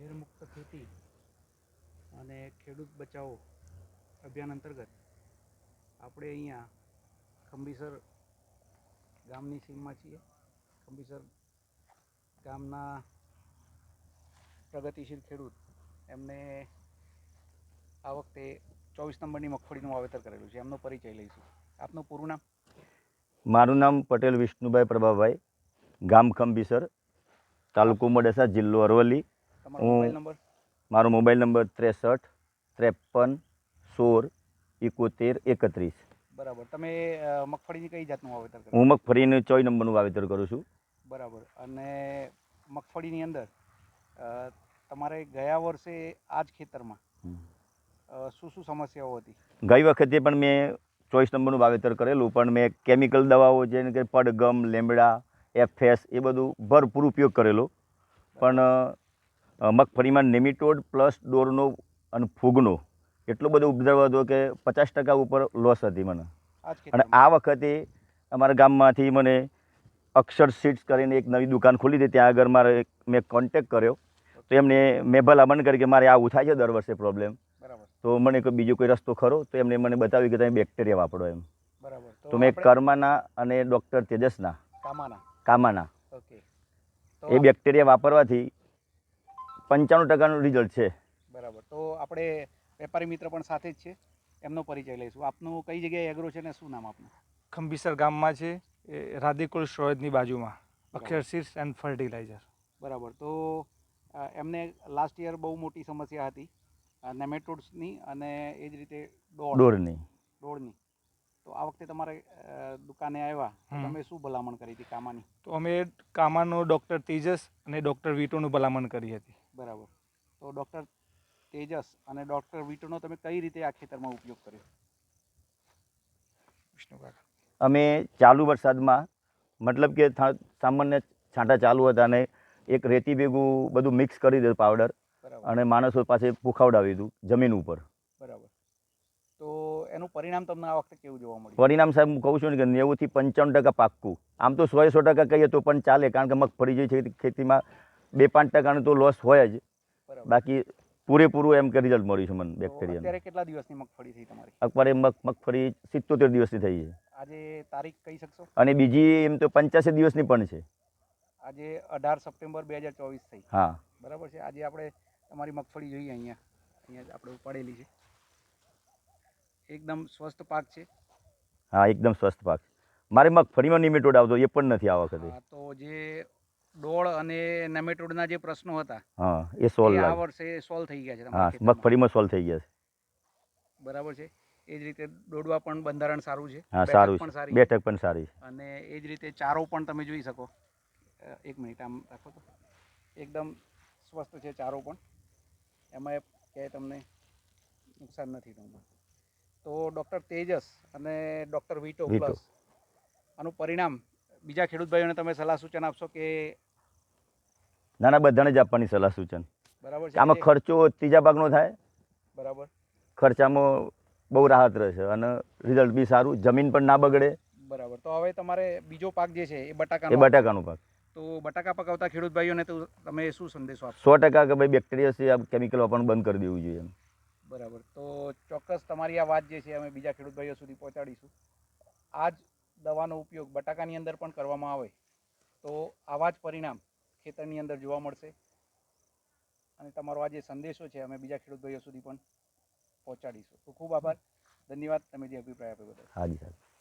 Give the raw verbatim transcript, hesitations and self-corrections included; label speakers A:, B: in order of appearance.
A: ઝેરમુક્ત ખેતી અને ખેડૂત બચાવો અભિયાન અંતર્ગત આપણે અહીંયા ખંભીસર ગામની સીમમાં છીએ. ખંભીસર ગામના પ્રગતિશીલ ખેડૂત એમને આ વખતે ચોવીસ નંબરની મગફળીનું વાવેતર કરેલું છે. એમનો પરિચય લઈશું. આપનું પૂરું નામ?
B: મારું નામ પટેલ વિષ્ણુભાઈ પ્રભાભાઈ, ગામ ખંભીસર, તાલુકો મોડાસા, જિલ્લો અરવલ્લી.
A: તમારો મોબાઈલ નંબર?
B: મારો મોબાઈલ નંબર ત્રેસઠ ત્રેપન સોળ એકોતેર એકત્રીસ.
A: બરાબર. તમે મગફળીની કઈ જાતનું વાવેતર કરો?
B: હું મગફળીનું ચોવીસ નંબરનું વાવેતર કરું છું.
A: બરાબર. અને મગફળીની અંદર તમારે ગયા વર્ષે આ જ ખેતરમાં શું શું સમસ્યાઓ હતી?
B: ગઈ વખતે પણ મેં ચોવીસ નંબરનું વાવેતર કરેલું, પણ મેં કેમિકલ દવાઓ જેમ કે પડગમ, લેમડા, એફએસ એ બધું ભરપૂર ઉપયોગ કરેલો. પણ મગફળીમાં નેમિટોડ પ્લસ ડોરનો અને ફૂગનો એટલો બધો ઉપદ્રવ હતો કે પચાસ ટકા ઉપર લોસ હતી મને. અને આ વખતે અમારા ગામમાંથી મને અક્ષર સીડ્સ કરીને એક નવી દુકાન ખોલી હતી. ત્યાં આગળ મારે મેં કોન્ટેક કર્યો તો એમને મેં ભલામણ કરી કે મારે આવું થાય છે દર વર્ષે પ્રોબ્લેમ, તો મને કોઈ બીજો કોઈ રસ્તો ખરો? તો એમને મને બતાવ્યું કે તમે બેક્ટેરિયા વાપરો એમ.
A: બરાબર.
B: તો મેં કર્માના અને ડૉક્ટર તેજસના
A: કામાના
B: કામાના
A: ઓકે
B: એ બેક્ટેરિયા વાપરવાથી પંચાણું ટકાનું રિઝલ્ટ છે.
A: બરાબર. તો આપણે વેપારી મિત્ર પણ સાથે જ છે, એમનો પરિચય લઈશું. આપનું કઈ જગ્યાએ એગ્રો છે ને શું નામ આપનું?
C: ખંભીસર ગામમાં છે, એ રાધેકુલ સ્ટોરેજની બાજુમાં, અક્ષર સીડ્સ એન્ડ ફર્ટિલાઇઝર.
A: બરાબર. તો એમને લાસ્ટ યર બહુ મોટી સમસ્યા હતી નેમેટોડ્સની અને એ જ રીતે
B: ડોરની
A: ડોળની. તો આ વખતે તમારે દુકાને આવ્યા તો તમે શું ભલામણ કરી હતી કામાની?
C: તો અમે કામાનો ડૉક્ટર તેજસ અને ડૉક્ટર વીટોનું ભલામણ કરી હતી.
A: બરાબર. તો ડૉક્ટર તેજસ અને ડૉક્ટર વીટોનો તમે કઈ રીતે આ ખેતરમાં ઉપયોગ કર્યો?
C: વિષ્ણુભાઈ,
B: અમે ચાલુ વરસાદમાં મતલબ કે સામાન્ય છાંટા ચાલુ હતા અને એક રેતી ભેગું બધું મિક્સ કરી દીધું પાવડર, અને માણસો પાસે પુખાવડાવ્યું હતું જમીન ઉપર.
A: બરાબર. તો એનું પરિણામ તમને આ વખતે કેવું જોવા મળ્યું?
B: પરિણામ સાહેબ હું કહું છું ને કે નેવુંથી પંચાણું ટકા પાક્કું. આમ તો સો સો ટકા કહીએ તો પણ ચાલે, કારણ કે મગફળી જે છે ખેતીમાં બે પાંચ ટકાનું તો લોસ હોય જ, બાકી પૂરેપૂરું એમ કે રિઝલ્ટ મળ્યું છે મને બેક્ટેરિયા.
A: અત્યારે કેટલા દિવસની મગફળી થઈ તમારી?
B: અત્યારે મગ મગફળી સિત્તોતેર દિવસની થઈ છે.
A: આજે તારીખ કહી શકશો?
B: અને બીજી એમ તો પંચ્યાસી દિવસની પણ છે.
A: આજે અઢાર સપ્ટેમ્બર બે હજાર ચોવીસ થઈ.
B: હા,
A: બરાબર છે. આજે આપણે તમારી મગફળી જોઈએ, અહીંયા અહીંયા આપણે ઉપાડેલી છે. એકદમ સ્વસ્થ પાક છે.
B: હા, એકદમ સ્વસ્થ પાક. મારે મગફળીમાં નેમેટોડ આવતો એ પણ નથી આ વખતે.
A: તો જે ડોળ અને નેમેટોડના જે પ્રશ્નો હતા,
B: હા, એ સોલ્વ
A: આ વર્ષે સોલ્વ થઈ ગયા છે.
B: હા, મગફળીમાં સોલ્વ થઈ ગયા છે.
A: બરાબર છે. એ જ રીતે ડોડવા પણ બંધારણ સારું છે.
B: હા, સારું છે. બેઠક પણ સારી છે.
A: અને એ જ રીતે ચારો પણ તમે જોઈ શકો. એક મિનિટ આમ રાખો તો. એકદમ સ્વસ્થ છે ચારો પણ. એમાં ક્યાંય તમને નુકસાન નથી થતું. તો ડૉક્ટર તેજસ અને ડૉક્ટર વીટો પ્લસ આનું પરિણામ બીજા ખેડૂત ભાઈઓને તમે સલાહ સૂચન આપશો કે?
B: ના ના, બધાને જ આપવાની સલાહ સૂચન.
A: બરાબર છે.
B: આમાં ખર્ચો ત્રીજા ભાગનો થાય.
A: બરાબર.
B: ખર્ચામાં બહુ રાહત રહેશે અને રિઝલ્ટ બી સારું, જમીન પણ ના બગડે.
A: બરાબર. તો હવે તમારે બીજો પાક જે છે એ બટાકા
B: એ બટાકાનો પાક.
A: તો બટાકા પકાવતા ખેડૂત ભાઈઓને તો તમે શું સંદેશો આપશો?
B: સો ટકા કે ભાઈ બેક્ટેરિયા છે, આ કેમિકલ વાપરવાનું બંધ કરી દેવું જોઈએ.
A: બરાબર. તો ચોક્કસ તમારી આ વાત જે છે અમે બીજા ખેડૂત ભાઈઓ સુધી પહોંચાડીશું. આ જ દવાનો ઉપયોગ બટાકાની અંદર પણ કરવામાં આવે તો આવા જ પરિણામ ખેતરની અંદર જોવા મળશે. અને તમારો આ જે સંદેશો છે અમે બીજા ખેડૂત ભાઈઓ સુધી પણ પહોંચાડીશું. તો ખૂબ આભાર, ધન્યવાદ તમે જે અભિપ્રાય આપ્યો બદલ.
B: હાજી સાહેબ.